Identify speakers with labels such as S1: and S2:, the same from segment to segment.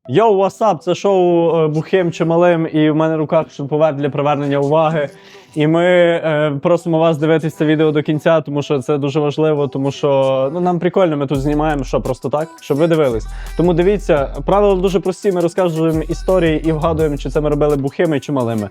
S1: Йоу, васап, це шоу Бухим чи Малим, і в мене в руках шуруповерт для привернення уваги. І ми просимо вас дивитися це відео до кінця, тому що це дуже важливо, тому що нам прикольно, ми тут знімаємо, що просто так, щоб ви дивились. Тому дивіться, правила дуже прості, ми розказуємо історії і вгадуємо, чи це ми робили бухими чи малими.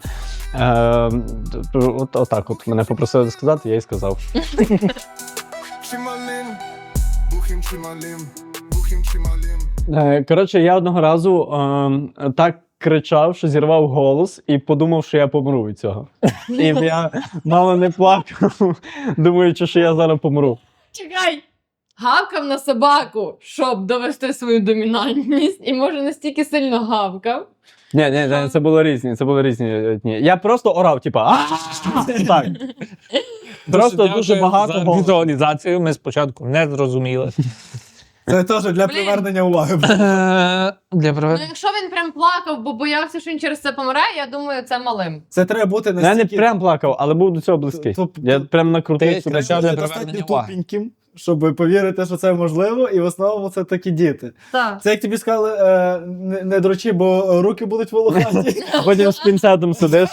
S1: Отак от мене попросили сказати, я і сказав.
S2: Чи малим, бухим чи малим, бухим чи малим.
S1: Коротше, я одного разу так кричав, що зірвав голос і подумав, що я помру від цього. І я мало не плакав, думаючи, що я зараз помру.
S3: Чекай! Гавкав на собаку, щоб довести свою домінантність, і може настільки сильно гавкав.
S1: Ні, це було різні дні. Я просто орав, типа, так. Просто дуже багато
S4: за
S1: голосу.
S4: візуалізацію ми спочатку не зрозуміли.
S5: Це теж для привернення уваги.
S4: Для
S3: Ну,
S4: проведення.
S3: якщо він прям плакав, бо боявся, що він через це помре, я думаю, це малим.
S5: Це треба бути
S1: Я не
S5: настільки...
S1: прям плакав, але був до цього близький. Я прям накрутив
S4: Ти
S1: собі.
S4: кричав для
S5: достатньо
S4: привернення уваги.
S5: тупеньким, щоб повірити, що це можливо, і в основному це такі діти.
S3: Так.
S5: Це як тобі сказали, не дрочи, бо руки будуть волохаті.
S1: А потім з пінцетом сидиш.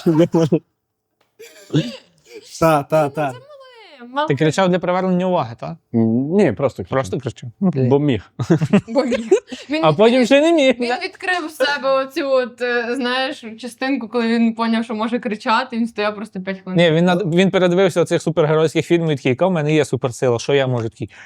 S5: Так.
S4: Ти кричав для привернення уваги, так?
S1: Ні, просто кричав.
S4: Просто кричав.
S1: Бо міг.
S3: Він,
S4: А потім ще не міг.
S3: він відкрив в себе оцю от, знаєш, частинку, коли він поняв, що може кричати, він стояв просто 5 хвилин.
S4: Ні, він передивився оцих супергеройських фільмів і такий, яка в мене є суперсила, що я можу такий.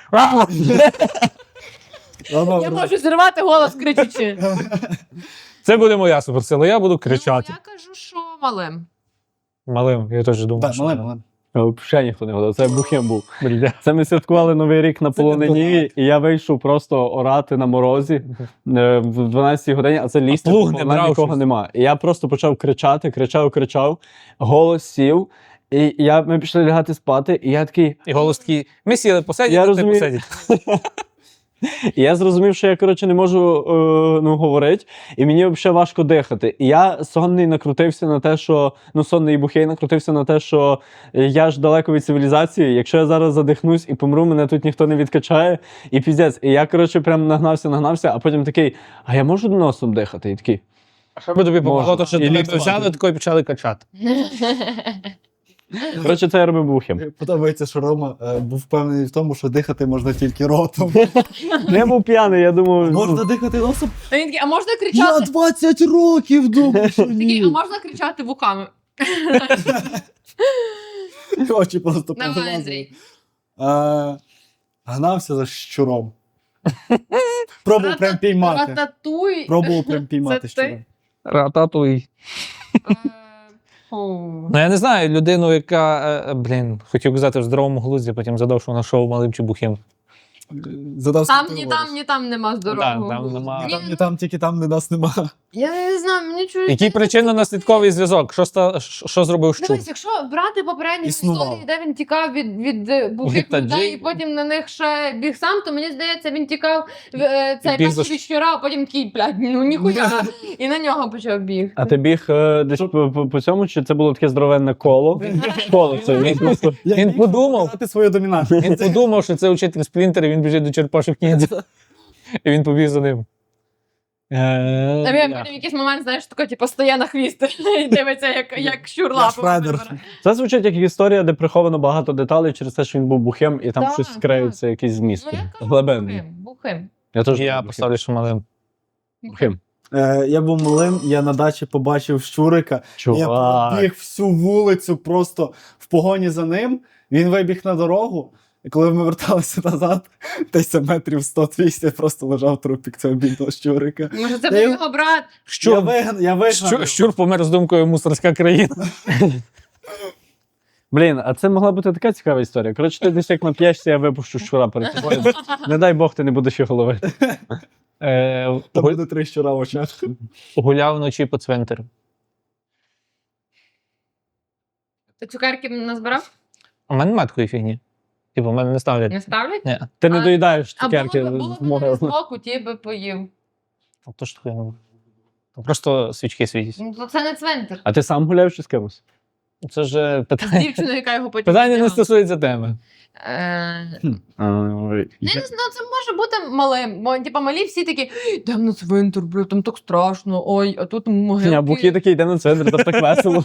S3: Я можу зірвати голос кричучи.
S4: Це буде моя суперсила, я буду кричати.
S3: Ну, я кажу, що малим.
S4: Малим, я теж думав.
S5: Так,
S4: що-
S5: малим.
S1: Взагалі ніхто не годив. Це Бухим був.
S4: Бля.
S1: Це ми святкували Новий рік на
S5: Це
S1: полонині, і я вийшов просто орати на морозі в 12-й годині, а це лістя,
S4: плуг не
S1: бо
S4: брав
S1: нікого
S4: щось?
S1: нема. І я просто почав кричати, кричав, голос сів, і ми пішли лягати спати, і я такий,
S4: І голос такий, ми сіли посидіти,
S1: Я
S4: ти
S1: розумію.
S4: посидіть.
S1: і я зрозумів, що я, коротше, не можу говорити, і мені взагалі важко дихати. І я сонний накрутився на те, що, сонний і бухий накрутився на те, що я ж далеко від цивілізації, якщо я зараз задихнусь і помру, мене тут ніхто не відкачає, і піздець. І я, коротше, прям нагнався, а потім такий, а я можу носом дихати? І такий,
S4: А що би тобі помогло, то що
S1: І
S4: тебе
S1: лікувати.
S4: взяли, тако і почали качати.
S1: коротше, це я робив Бухим.
S5: Подобається, що Рома був впевнений в тому, що дихати можна тільки ротом.
S1: Я був п'яний, я думав,
S5: Можна дихати носом?
S3: А він такий, а можна
S5: Я
S3: кричати?
S5: 20 років думав, що
S3: Такий, а
S5: ні.
S3: можна кричати вухами?
S5: Очі просто
S3: Давай,
S5: повилазили.
S3: Андрій.
S5: Гнався за щуром. Пробував прям піймати.
S3: Рататуй.
S5: Пробував прям піймати
S3: Це
S5: щура.
S3: ти?
S4: Рататуй.
S3: Фу.
S4: Ну я не знаю, людину, яка, хотів казати в здоровому глузді, потім задав, що вона шоу малим чи бухим.
S5: Задав
S3: Там,
S5: собі
S3: ні
S5: голос.
S3: там, ні там нема здорового.
S4: там нема.
S5: Ні там, ні там, тільки там, де нас нема.
S3: Я не знаю, мені чують.
S4: Який причинно-наслідковий зв'язок? Що зробив щур?
S3: Дивись, якщо брати попередні
S5: Існував.
S3: історії, де він тікав від бухих
S4: Від
S3: людей
S4: таджиків.
S3: і потім на них ще біг сам, то мені здається, він тікав цей
S4: Біг за
S3: перший від щура, а потім такий, блядь, ну ніхуя. І на нього почав біг.
S1: а ти біг десь по цьому, чи це було таке здоровенне коло? Коло це, він просто...
S4: Він подумав.
S5: Показати свою домінантність.
S4: Він подумав, що це учитель Сплінтер, і він біжить до черепашок ніндзя. І він побіг за ним.
S3: А він потім в якийсь момент, знаєш, тако, типу, стає на хвіст і дивиться, як щур лапу.
S5: Шредер.
S3: вибере.
S1: Це звучить як історія, де приховано багато деталей через те, що він був бухим, і там
S3: Так,
S1: щось скриється, якийсь зміст.
S3: Ну, я кажу,
S1: Глибинний.
S3: бухим.
S1: Я теж
S4: Я
S1: був
S4: поставлю, що малим.
S1: бухим.
S5: Я був малим, я на дачі побачив щурика. Я
S1: Чувак.
S5: пробіг всю вулицю просто в погоні за ним. Він вибіг на дорогу. І коли ми верталися назад, десь метрів 100-200 просто лежав трупік цього бідного щурика.
S3: Може, це
S5: Я
S3: був
S5: його-
S3: його брат?
S5: Я вигнав.
S4: Щур помер з думкою мусорська країна.
S1: Блін, а це могла бути така цікава історія. Коротше, ти десь як нап'єшся, я випущу щура перед тобою. Не дай Бог, ти не будеш його ловити.
S5: Там буде 3 щура в очах.
S4: Гуляв вночі по цвинтарю.
S3: Ти цукерки назбирав?
S4: У мене немає такої фігні. Типу, в мене не ставлять.
S3: Не ставлять?
S4: Ні.
S1: Ти не
S3: А-
S1: доїдаєш
S3: А
S1: цукерки
S3: було
S1: з
S3: б
S1: могили.
S3: з боку, ті би поїв.
S4: То що таке? Там просто свічки світять.
S3: Ну, то це не цвинтар.
S1: А ти сам гуляєш чи з кимось?
S4: Це ж
S3: З
S4: питання.
S3: дівчиною, яка його потім...
S4: Питання не
S3: вдягала.
S4: стосується теми.
S3: Ну, це може бути малим, бо типа малі всі такі, йдемо на цвинтар, бля, там так страшно, ой, а тут могилки.
S1: А Бухі такий йде на центр, там так весело.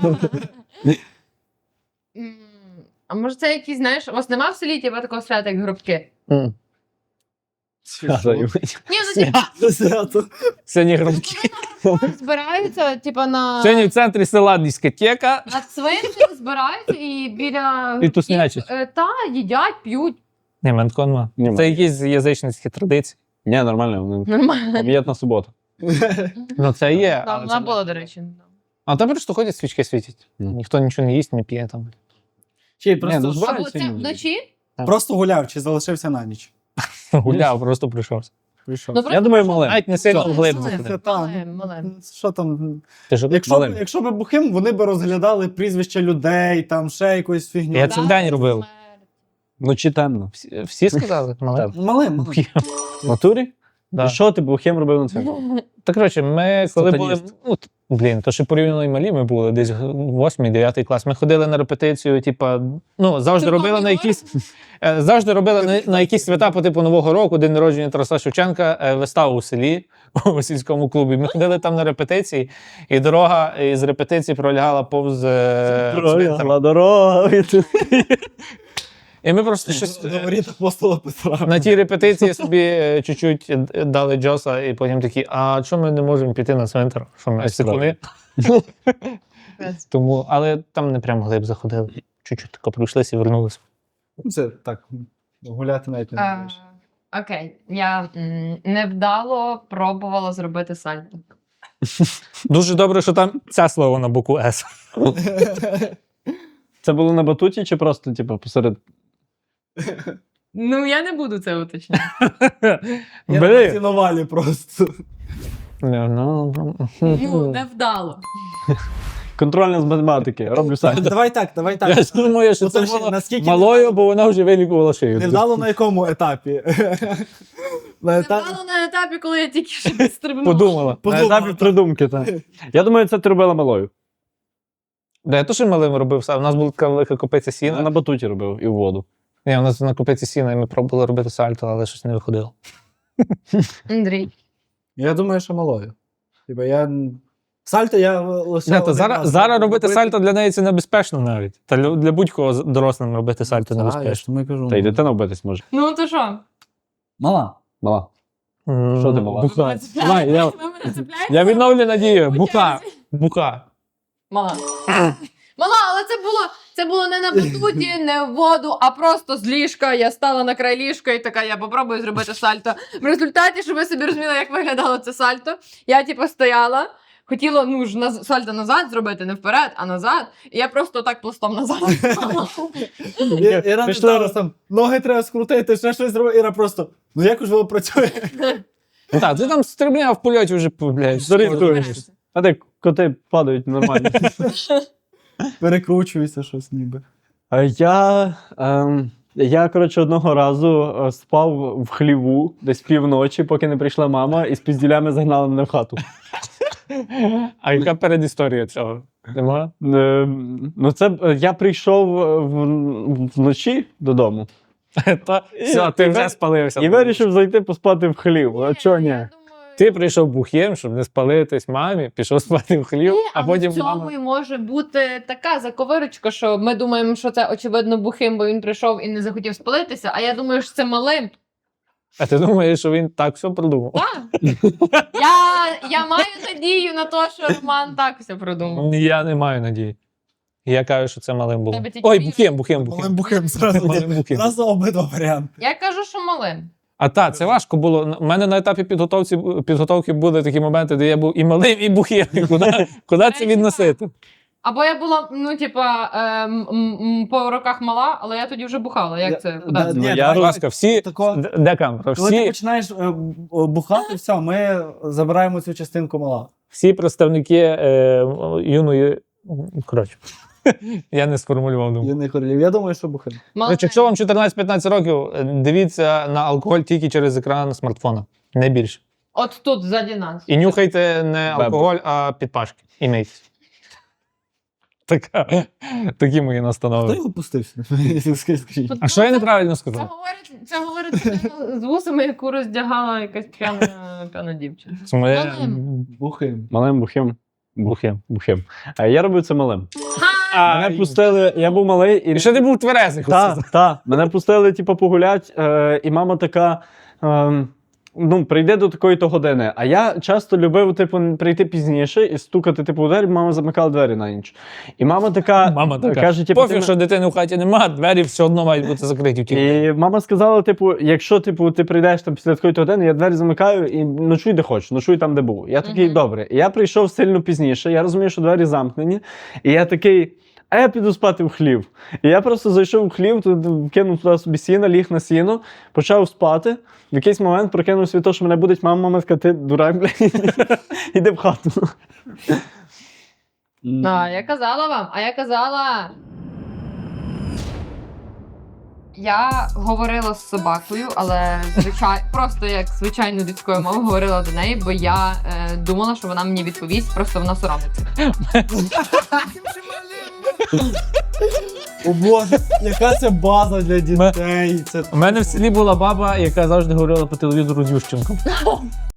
S3: А може це якісь, знаєш, у вас нема в селі типа такого свята, як гробки? Ні, ну типа
S5: Свято.
S4: Сьогодні громкі.
S3: збираються, типа
S4: Сьогодні в центрі села дискотека.
S3: на цвинтарі збираються і біля
S4: І туснячать.
S3: Та, їдять, п'ють.
S4: Ні, мене такого нема.
S1: Нема.
S4: Це якісь язичницькі традиції.
S1: Ні, нормально, вони
S3: Нормально.
S1: пам'ятна субота.
S4: Ну це є.
S3: Да,
S4: але
S3: вона
S4: це-
S3: була, до речі.
S4: А там просто ходять, свічки світять.
S1: Мгм.
S4: Ніхто нічого не їсть, не п'є там.
S5: Чи
S1: ну,
S5: просто,
S1: збирають.
S3: Або це вночі?
S5: просто гуляв, чи залишився на ніч?
S4: Гуляв, просто прийшовся.
S5: Прийшов.
S3: Ну,
S1: Я думаю, мале.
S4: Навіть не сильно
S5: Що?
S4: вглиб
S5: Це
S4: заходив.
S5: там.
S3: Мале.
S5: Що там?
S4: Ти ж
S5: Якщо б бухим, вони б розглядали прізвища людей, там ще якусь фігню.
S4: Я це вдень робив.
S1: Вночі темно.
S4: Всі сказали? Мале?
S5: Малим.
S1: В натурі?
S4: Да.
S1: І що ти бухим робив на цьому?
S4: Так, коротше, ми коли були.
S1: Сатаніст.
S4: Ну, то ще порівняно і малі ми були, десь 8-9 клас. Ми ходили на репетицію, типа, ну, завжди
S3: Ти
S4: робили на
S3: помниш?
S4: якісь. Завжди робили на якісь свята по типу Нового року, день народження Тараса Шевченка, виставу у селі, у сільському клубі. Ми ходили там на репетиції, і дорога із репетиції пролягала повз цвинтар.
S1: Дорога.
S4: І ми просто щось
S5: До воріт апостола Петра.
S4: на тій репетиції собі чуть-чуть дали Джоса, і потім такі, а чому ми не можемо піти на цвинтар? Що ми секуни? Тому, але там не прям глиб заходили. Чуть-чуть тако пройшлися і вернулися.
S5: Це так, гуляти навіть не будеш.
S3: Окей, я невдало пробувала зробити сальто.
S4: Дуже добре, що там це слово на букву С.
S1: Це було на батуті чи просто, типу, посеред.
S3: Ну, я не буду це уточняти.
S5: Я
S4: Бери.
S5: на цінувалі просто.
S3: Ну, невдало.
S1: Контрольна з математики. Роблю сальто.
S5: Давай так.
S4: Я ж думаю, що
S5: Ну,
S4: це
S5: це ж
S4: було
S5: наскільки
S4: малою, бо вона вже вилікувала шию.
S5: Невдало на якому етапі? На етапі
S3: Невдало на етапі, коли я тільки що підстрибнула.
S4: Подумала.
S1: На етапі придумки, так. Я думаю, це ти робила малою.
S4: Да, я теж малим робив сам. У нас була така велика копиця
S1: Я
S4: сіна.
S1: на батуті робив і в воду.
S4: Ні, у нас на копиці сіна, і ми пробували робити сальто, але щось не виходило.
S3: Андрій.
S5: Я думаю, що малою. Типа я... Сальто я лише
S4: Ні, то
S5: один
S4: зараз,
S5: раз
S4: зараз робити
S5: робив.
S4: сальто для неї це небезпечно навіть. Та для будь-кого дорослим робити сальто
S5: Так, я ж
S4: небезпечно.
S5: тому і кажу.
S1: Та й дитина вбитись може.
S3: Ну, то що?
S5: Мала.
S1: Мала. Що ти мала?
S4: Буха.
S3: Ви
S4: Давай,
S3: мене
S4: я,
S3: цепляєте?
S4: я відновлю надію.
S3: По
S4: Буха.
S3: черзі.
S4: Буха.
S3: Мала. Мала, але це було не на батуті, не в воду, а просто з ліжка. Я стала на край ліжка і така, я попробую зробити сальто. В результаті, щоб ви собі розуміли, як виглядало це сальто, я типу стояла, хотіла сальто назад зробити, не вперед, а назад. І я просто так пластом назад стала.
S5: Іра не зараз там, ноги треба скрутити, ще щось зробити. Іра просто, ну як ж воно працює?
S4: Так, ти там стрибня в польоті вже, блядь,
S1: Зорієнтуєшся. А де коти падають нормально.
S5: Перекручується щось ніби.
S1: Я, коротше, одного разу спав в хліву десь півночі, поки не прийшла мама, і з пізділями загнали мене в хату.
S4: А яка передісторія цього? Нема?
S1: Ну, це я прийшов вночі додому
S4: Та, все, ти вже спалився.
S1: і вирішив зайти поспати в хлів. А чого ні?
S4: Ти прийшов бухим, щоб не спалитись мамі, пішов спати в хлів, а потім
S3: в цьому
S4: мама...
S3: і може бути така заковирочка, що ми думаємо, що це очевидно бухим, бо він прийшов і не захотів спалитися, а я думаю, що це малим.
S4: А ти думаєш, що він так все продумав?
S3: Так. Я маю надію на те, що Роман так все продумав.
S4: Я не маю надії. Я кажу, що це малим було.
S3: Тебе тільки
S4: Ой,
S3: вірю.
S4: бухим.
S5: Малим бухим зразу.
S4: Малим бухим.
S5: Зразу обидва варіанти.
S3: Я кажу, що малим.
S4: А так, це важко було. У мене на етапі підготовки були такі моменти, де я був і малим, і бухим. Куди це відносити?
S3: Або я була, ну, типа, по роках мала, але я тоді вже бухала. Як це? Куди це?
S5: Ні,
S1: я,
S5: давай
S4: Будь ласка, всі.
S5: тако-
S4: Де камера?
S5: Коли ти
S4: Всі,
S5: починаєш бухати, все, ми забираємо цю частинку мала.
S4: всі представники юної. Коротше, я не сформулював думку.
S5: Юний королів. Я думаю, що бухим.
S3: Малим.
S4: Коротше, якщо вам 14-15 років, дивіться на алкоголь тільки через екран смартфона. Не більше.
S3: От тут, ззаді нас.
S4: І нюхайте не алкоголь, а підпашки. І мийтесь. Такі мої
S5: Хто
S4: настанови.
S5: його пустився? Скажіть.
S4: А що я неправильно
S3: Це
S4: сказав?
S3: говорить людина з вусами, яку роздягала якась п'яна дівчина.
S4: Моє...
S5: Бухим.
S1: Малим бухим. Бухим. А я робив це малим.
S4: А,
S1: Мене пустили, я був малий і.
S4: І ще ти був тверезий.
S1: Так. Мене пустили, типу, погулять, і мама така. Ну, прийде до такої-то години. А я часто любив, типу, прийти пізніше і стукати, типу, у двері, мама замикала двері на ніч. І мама така,
S4: Мама така.
S1: каже, типу,
S4: Пофіг, що дитини в хаті нема, двері все одно мають бути закриті в тій.
S1: І мама сказала, типу, якщо типу, ти прийдеш там після такої години, я двері замикаю і ночуй де хочеш, ночуй там, де був. Я такий, добре. І я прийшов сильно пізніше, я розумію, що двері замкнені, і я такий, а я піду спати в хлів. І я просто зайшов в хлів, тут кинув туди собі сіно, ліг на сіно, почав спати. В якийсь момент прокинувся від того, що мене будить мама така, ти дурак, блядь, іди в хату.
S3: А я казала вам, Я говорила з собакою, але просто як звичайно людською мовою говорила до неї, бо я думала, що вона мені відповість, просто вона соромиться.
S5: О Боже, яка це база для дітей. Це
S4: У мене в селі була баба, яка завжди говорила по телевізору з Ющенком.